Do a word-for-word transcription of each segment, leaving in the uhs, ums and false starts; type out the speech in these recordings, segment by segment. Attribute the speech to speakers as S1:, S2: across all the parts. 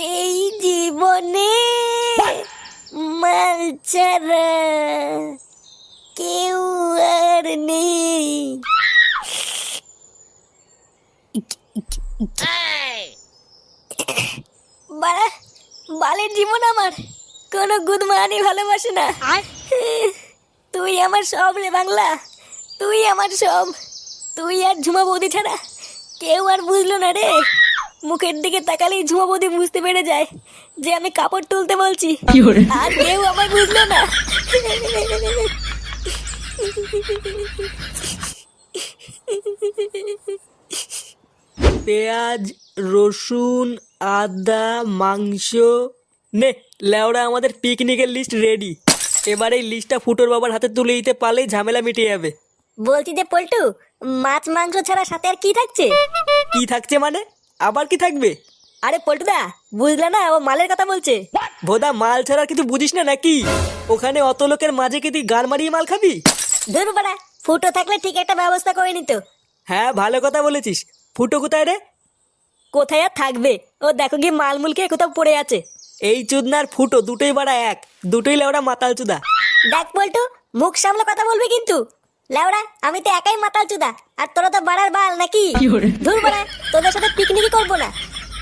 S1: এই জীবনে মাল ছাড়া কেউ আর নেই। বাড়া, বালের জীবন আমার, কোনো গুদমানি ভালোবাসে না। তুই আমার সব রে বাংলা, তুই আমার সব। তুই আর ঝুমা বৌদি ছাড়া কেউ আর বুঝলো না রে। মুখের দিকে তাকালেই ঝুমা বৌদি বুঝতে পেরে যায় যে আমি কাপড় তুলতে বলছি, আর কেউ আমার বুঝলো না।
S2: পেঁয়াজ, রসুন, আদা, মাংস, নে লেওড়া আমাদের পিকনিকের লিস্ট রেডি। এবার এই লিস্টটা ফুটোর বাবার হাতে তুলে দিতে পারলেই ঝামেলা মিটে যাবে।
S1: বলছি যে পল্টু, মাছ মাংস ছাড়া সাথে আর কি থাকছে?
S2: কি থাকছে মানে? আবার কি থাকবে?
S1: আরে পল্টুদা, বুঝলে না, ও মালের কথা বলছে।
S2: ভোদা, মাল ছাড়া আর কিছু বুঝিস না নাকি? ওখানে অত লোকের মাঝে কি তুই গান মারিয়ে মাল খাবি?
S1: ধুর বাড়া, ফুটো থাকলে ঠিক একটা ব্যবস্থা করে নিত।
S2: হ্যাঁ, ভালো কথা বলেছিস। ফুটো কোথায় রে?
S1: কোথায় আর থাকবে, ও দেখো গিয়ে মালমুলকে কোথাও পড়ে আছে।
S2: এই চুদনার ফুটো দুটোই বাড়া এক, দুটোই লেওড়া মাতাল চুদা।
S1: দেখ পল্টু, মুখ সামলে কথা বলবি কিন্তু। লেওড়া, আমি তো একাই মাতাল চুদা, আর তোরা তো বাড়ার বাল নাকি? ধুর বাড়া, তোদের সাথে পিকনিকই করবো না।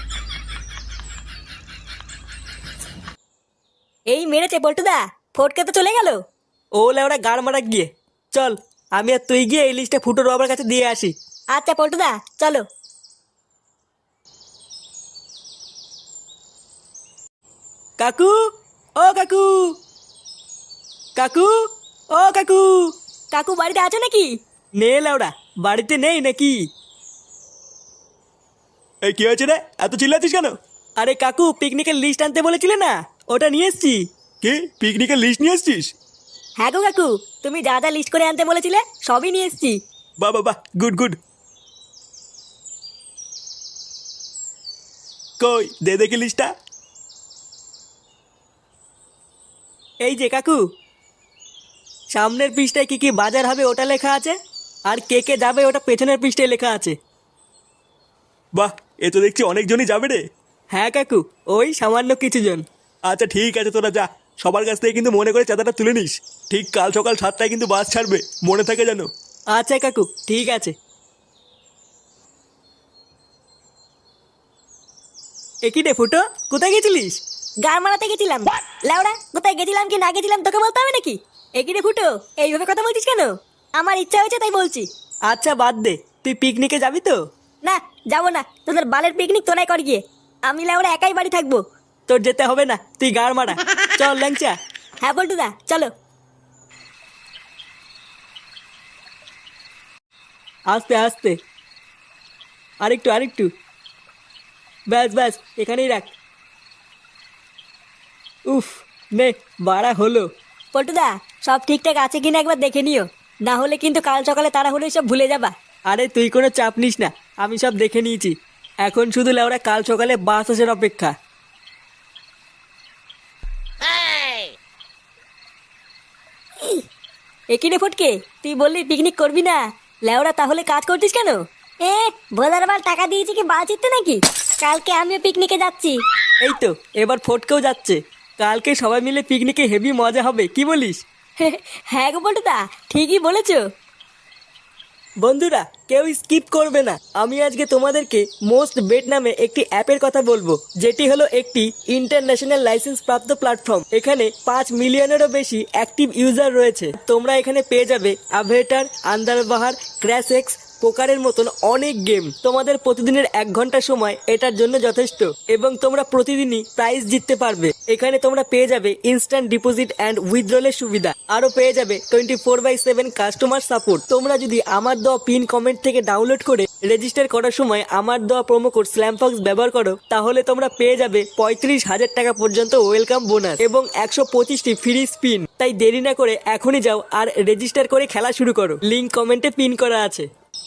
S1: এই মেরেছে পল্টুদা, ফটকে তো চলে গেল।
S2: ও লেওড়া গাড় মারা গিয়ে। চল, আমি আর তুই গিয়ে এই লিস্টটা ফুটোর বাবার কাছে দিয়ে আসি।
S1: আচ্ছা পল্টুদা, চলো।
S2: কাকু, ও কাকু, কাকু, ও কাকু।
S1: কাকু বাড়িতে আছো নাকি?
S2: নে লেওড়া, বাড়িতে নেই নাকি?
S3: এই কি হয়েছে রে, এত চিল্লাচ্ছিস কেন?
S2: আরে কাকু, পিকনিকের লিস্ট আনতে বলেছিলে না, ওটা নিয়ে এসছি।
S3: কি পিকনিকের লিস্ট নিয়ে এসছিস?
S1: হ্যাঁ গো কাকু, তুমি যা যা লিস্ট করে আনতে বলেছিলে সবই নিয়ে এসছি।
S3: বাহ বাহ বাহ, গুড গুড। কই দে দেখি লিস্টটা।
S2: এই যে কাকু, সামনের পৃষ্ঠায় কি কি বাজার হবে ওটা লেখা আছে, আর কে কে যাবে ওটা পেছনের পৃষ্ঠায় লেখা আছে।
S3: বাহ, এ তো দেখছি অনেকজনই যাবে রে।
S2: হ্যাঁ কাকু, ওই সামান্য কিছু জন।
S3: আচ্ছা ঠিক আছে, তোরা যা, সবার কাছ থেকে কিন্তু মনে করে চাঁদাটা তুলে নিস। ঠিক কাল সকাল সাতটায় কিন্তু বাস ছাড়বে, মনে থাকে যেন।
S2: আচ্ছা কাকু, ঠিক আছে। একই রে ফুটো, কোথায় গেছিলিস?
S1: গান মারাতে গেছিলাম। লাউড়া, কোথায় গেছিলাম কি না গেছিলাম তোকে বলতে হবে নাকি? একই রে ফুটো, এইভাবে কথা বলছিস কেন? আমার ইচ্ছা হয়েছে তাই বলছি।
S2: আচ্ছা বাদ দে, তুই পিকনিকে যাবি তো?
S1: না, যাবো না, তোদের বালের পিকনিক তোরাই কর গিয়ে। আমি লাউড়া একাই বাড়ি থাকবো।
S2: তোর যেতে হবে না, তুই গাড় মারা। চল ল্যাংচা।
S1: হ্যাঁ পল্টুদা, চলো।
S2: আস্তে আস্তে, আরেকটু আরেকটু, ব্যাস ব্যাস, এখানেই রাখ। উফ, নে বাড়া হলো।
S1: পল্টুদা, সব ঠিকঠাক আছে কিনা একবার দেখে নিও, না হলে কিন্তু কাল সকালে তারা হলে সব ভুলে যাবা।
S2: আরে তুই কোনো চাপ নিস না, আমি সব দেখে নিয়েছি। এখন শুধু লেওরা কাল সকালে বাস আসার অপেক্ষা।
S1: একই রে ফটকে, তুই বললি পিকনিক করবি না, লেওরা তাহলে কাজ করছিস কেন? এ ভোলার বার টাকা দিয়েছি কি বাল চিত্তে নাকি? কালকে আমিও পিকনিকে যাচ্ছি।
S2: এই তো, এবার ফটকেও যাচ্ছে। কালকে সবাই মিলে পিকনিকে হেভি মজা হবে, কি বলিস?
S1: হ্যাঁ গো পল্টুদা, ঠিকই বলেছো।
S2: বন্ধুরা, কেউ স্কিপ করবে না। আমি আজকে তোমাদেরকে মোস্ট বেট নামে একটি অ্যাপের কথা বলবো, যেটি হলো একটি ইন্টারন্যাশনাল লাইসেন্স প্রাপ্ত প্ল্যাটফর্ম। এখানে পাঁচ মিলিয়নেরও বেশি অ্যাক্টিভ ইউজার রয়েছে। তোমরা এখানে পেয়ে যাবে আভেটার, আন্দারবাহার, ক্র্যাশেক্স, পোকারের মতন অনেক গেম। তোমাদের প্রতিদিনের এক ঘন্টা সময় এটার জন্য যথেষ্ট, এবং তোমরা প্রতিদিনই প্রাইজ জিততে পারবে। এখানে তোমরা পেয়ে যাবে ইনস্ট্যান্ট ডিপোজিট অ্যান্ড উইথড্রলের সুবিধা, আরো পেয়ে যাবে twenty four by seven customer support. তোমরা যদি আমার দেওয়া পিন কমেন্ট থেকে ডাউনলোড করে রেজিস্টার করার সময় আমার দেওয়া প্রোমো কোড স্ল্যামফক্স ব্যবহার করো, তাহলে তোমরা পেয়ে যাবে পঁয়ত্রিশ হাজার টাকা পর্যন্ত ওয়েলকাম বোনাস এবং একশো পঁচিশটি ফ্রি স্পিন। তাই দেরি না করে এখনই যাও আর রেজিস্টার করে খেলা শুরু করো। লিঙ্ক কমেন্টে পিন করা আছে।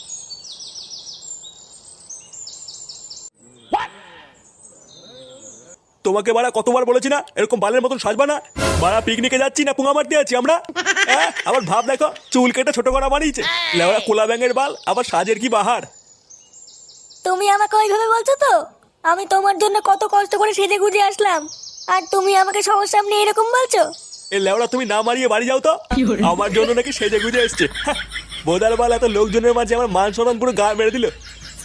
S3: তোমাকে বাড়া কতবার বলেছি না এরকম বালের মতন সাজবা না। বাড়া পিকনিকে যাচ্ছি না পুঙা মারতে আছি আমরা। হ্যাঁ, আবার ভাব দেখো, চুল কেটে ছোট করা বানিয়েছে, লেওড়া কোলা ব্যাঙের বাল, আবার সাজের কি বাহার।
S1: তুমি আমাকে ওইভাবে বলছো তো? আমি তোমার জন্য কত কষ্ট করে সেজে গুজে আসলাম, আর তুমি আমাকে সবার সামনে এরকম বলছো?
S3: এ লেওড়া তুমি না মারিয়ে বাড়ি যাও তো। আমার জন্য নাকি সেজে গুজে এসছে। হ্যাঁ, বোদার বাল এত লোকজনের মাঝে আমার মান সম্মান পুরো গা মেরে দিল।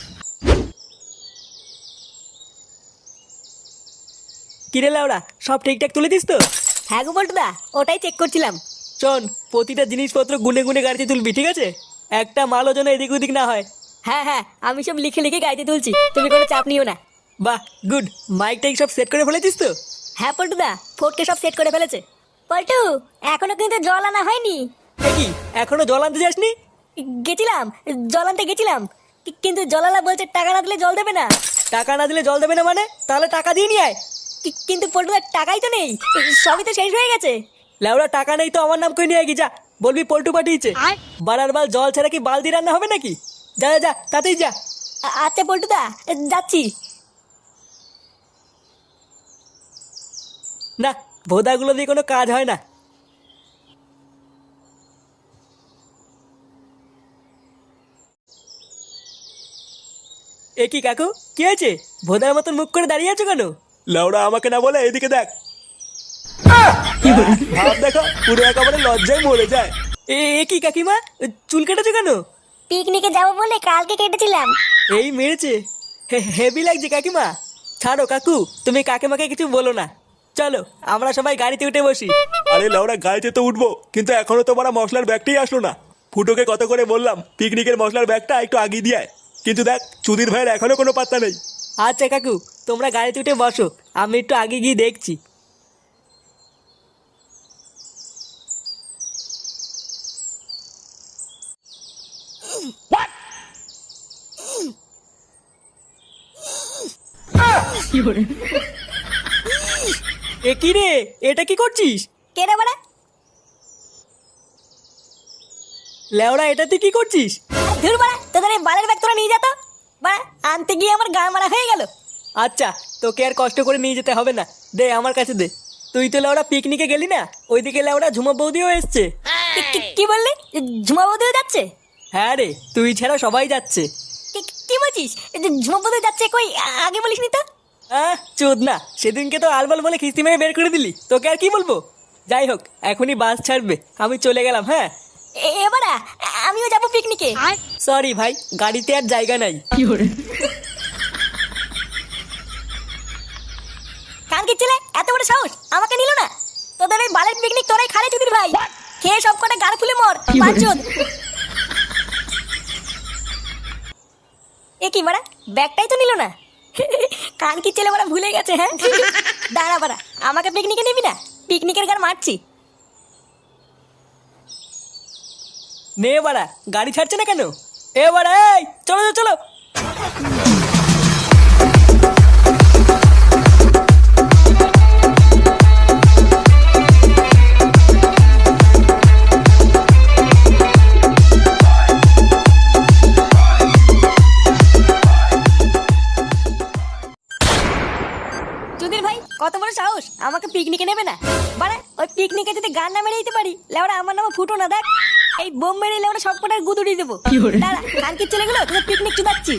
S2: কিরে লাউড়া, সব ঠিকঠাক তুলে দিস তো?
S1: হ্যাঁ গো বল্টুদা, ওটাই চেক করছিলাম।
S2: শোন, প্রতিটা জিনিসপত্র গুনে গুনে গাড়িতে তুলবি, ঠিক আছে? একটা মালও যেন এদিক ওদিক না হয়।
S1: হ্যাঁ হ্যাঁ, আমি সব লিখে লিখে গাইতে তুলছি, তুমি কোনো চাপ নিও না।
S2: বাহ, গুড। মাইক টাইক সব সেট করে ফেলেছিস তো?
S1: হ্যাঁ পল্টুদা, ফোর্টকে সব সেট করে ফেলেছে। পল্টু, এখনো কিন্তু জল আনা হয়নি।
S2: এ কি, এখনো জল আনতে যাসনি?
S1: গেছিলাম, জল আনতে গেছিলাম, কি- কিন্তু জলালা বলছে টাকা না দিলে জল দেবে না।
S2: টাকা না দিলে জল দেবে না মানে? তাহলে টাকা দিয়ে নিয়ে আয়।
S1: কি- কিন্তু পল্টুদার টাকাই তো নেই, সবই তো শেষ হয়ে গেছে।
S2: লেওড়া, টাকা নেই তো আমার নাম করে নিয়ে আয়, যা। বলবি পল্টু পাঠিয়েছে। বারার বাল জল ছাড়া কি বালতি রান্না হবে নাকি? যা যা যা, তাতেই যা।
S1: আ- আচ্ছা পল্টুদা, যাচ্ছি।
S2: না, ভোদাগুলো দিয়ে কোনো কাজ হয় না। এ কি কাকু, কি হয়েছে? ভোদার মতন মুখ করে দাঁড়িয়ে আছো কেন?
S3: লেওড়া আমাকে না বলে এদিকে দেখ। ভাব দেখো, পুরো একেবারে লজ্জায় মরে যায়।
S2: এ এ কি কাকিমা, চুল কেটেছো কেন?
S1: পিকনিকে যাবো বলে কালকে কেটেছিলাম।
S2: এই মেরেছে, হে- হেভি লাগছে কাকিমা। ছাড়ো কাকু, তুমি কাকিমাকে কিছু বলো না। চলো আমরা সবাই গাড়িতে উঠে বসি।
S3: আরে লেওড়া, গাড়িতে তো উঠবো, কিন্তু এখনো তো বড় মশলার ব্যাগটাই আসলো না। ফুটোকে কত করে বললাম পিকনিকের মশলার ব্যাগটা একটু আগিয়ে দিয়ে আয়। কিন্তু দেখ, চুদির ভাইয়ের এখনো কোনো পাত্তা নেই।
S2: আচ্ছা কাকু, তোমরা গাড়িতে উঠে বসো, আমি একটু আগে গিয়ে দেখছি। এ কি রে, এটা কি করছিস?
S1: কে রে বাড়া?
S2: লেওড়া, এটা তুই কি করছিস?
S1: ধুর বাড়া, তোদের এই বালের ব্যাগ তোরা নিয়ে যা তো। বাড়া, আনতে গিয়ে আমার গা মারা হয়ে গেল।
S2: আচ্ছা, তোকে আর কষ্ট করে নিয়ে যেতে হবে না, দে আমার কাছে দে। তুই তো লেওড়া পিকনিকে গেলি না, ওইদিকে লেওড়া ঝুমা বৌদিও এসছে।
S1: কি- কি- কি বললি? ঝুমা বৌদিও যাচ্ছে?
S2: হ্যাঁ রে, তুই ছাড়া সবাই যাচ্ছে।
S1: কি- কি বলছিস? এই যে ঝুমা বৌদি যাচ্ছে, কই আ- আগে বলিসনি তো?
S2: আহ চোদ না, সেদিনকে তো আলবাল বলে খিস্তি মেরে বের করে দিলি, তোকে আর কি বলবো। যাই হোক, এখনই বাস ছাড়বে, আমি চলে গেলাম। হ্যাঁ,
S1: এ- এবারা আমিও যাবো পিকনিকে।
S2: সরি ভাই, গাড়িতে আর জায়গা নাই।
S1: কানকি ছেলে, এত বড় সাহস, আমাকে নিল না? তোদের ওই বালের পিকনিক তোরাই খারে চুদির ভাই। খেয়ে সব কটা গাড় ফুলে মর পাঁচজন। এ কি বাড়া, ব্যাগটাই তো নিল না। কানকি ছেলে বাড়া ভুলে গেছে। হ্যাঁ, দাঁড়া বাড়া, আমাকে পিকনিকে নিবি না? পিকনিকের গান মারছি।
S2: নে বাড়া, গাড়ি ছাড়ছে না কেন? এ বাড়া, এই চলো চলো চলো।
S1: চুদির ভাই, কত বড় সাহস, আমাকে পিকনিকে নেবে না? বাড়া, ওই পিকনিকে যদি গান না মেরে দিতে পারি, লেওড়া আমার নামে ফুটো না। দেখ, এই বোম মেরে লেওড়া সব কটার গুদুড়ি দেবো। দাঁড়া, কানকির ছেলেগুলো তোদের পিকনিক চুদাচ্ছি।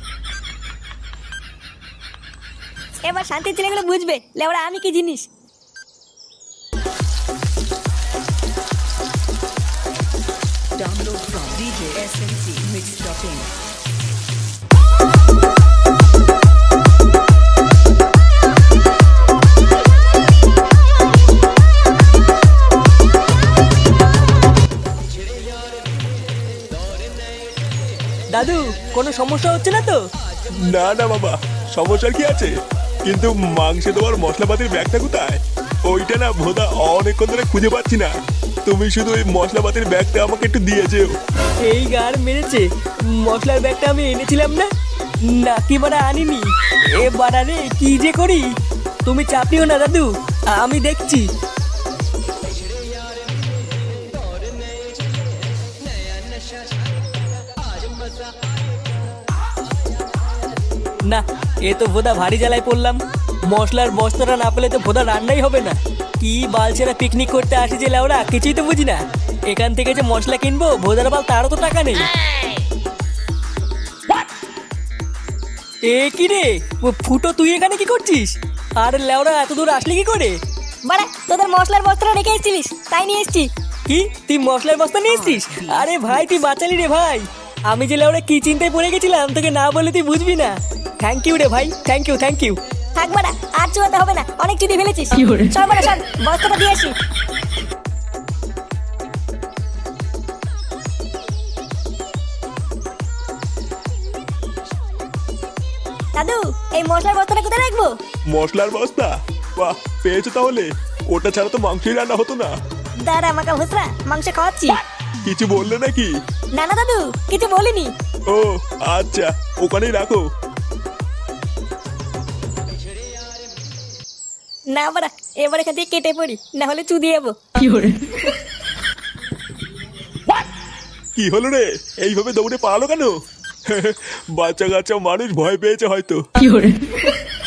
S1: এবার শান্তির ছেলেগুলো বুঝবে লেওড়া আমি কি জিনিস।
S4: Download from D J S M C Mix Shopping.
S2: দাদু, কোনো সমস্যা হচ্ছে না তো?
S3: না না বাবা, সমস্যার কি আছে? কিন্তু মাংসে তোমার মশলাপাতির ব্যাগটা কোথায়? ওইটা না ভোদা অনেকক্ষণ ধরে খুঁজে পাচ্ছি না। তুমি শুধু ওই মশলাপাতির ব্যাগটা আমাকে একটু দিয়ে যেও।
S2: এই গার মেরেছে, মশলার ব্যাগটা আমি এনেছিলাম না, নাকি বাড়া আনিনি। এ বাড়া রে, কি যে করি। তুমি চাপ নিও না দাদু, আমি দেখছি। না, এ তো ভোদা ভারী জ্বালায় পড়লাম। মশলার বস্তাটা না পেলে তো ভোদা রান্নাই হবে না। কি বালছেরা পিকনিক করতে আসি যে লাউরা, কিছুই তো বুঝি না। এখান থেকে যে মশলা কিনবো, ভোদার বাল তারও তো টাকা নেই। এ কি রে ও ফুটো, তুই এখানে কি করছিস? আর লেওরা এত দূর আসলি কি করে?
S1: বাড়া, তোদের মশলার বস্তাটা রেখে এসেছিলিস, তাই নিয়ে এসেছি।
S2: কি তুই মশলার বস্তা নিয়ে এসছিস? আরে ভাই তুই বাঁচালি রে ভাই। আমি যে লেওরা কি চিন্তায় পড়ে গেছিলাম, তোকে না বলে তুই বুঝবি না। থ্যাংক ইউ রে ভাই, থ্যাংক ইউ থ্যাংক ইউ।
S1: থাক বাড়া, আর চুয়াতে হবে না, অনেক চুদি ফেলেছিস। চল বাড়া চল, বস্তাটা দিয়ে আসি। দাদু, এই মশলার বস্তাটা কোথায় রাখবো?
S3: মশলার বস্তা? বাহ, পেয়েছো তাহলে। ওটা ছাড়া তো মাংসই রান্না হতো না।
S1: দাঁড়া মাকা ভুসরা, মাংস খাওয়াচ্ছি।
S3: কিছু বললে নাকি?
S1: না না দাদু, কিছু বলিনি।
S3: ও আচ্ছা, ওখানেই রাখো।
S1: না বাড়া, এবার এখান থেকে কেটে পড়ি, না হলে চুদি যাবো।
S3: কি হলো রে, এইভাবে দৌড়ে পালালো কেন? বাচ্চা কাচ্চা মানুষ ভয় পেয়েছে হয়তো।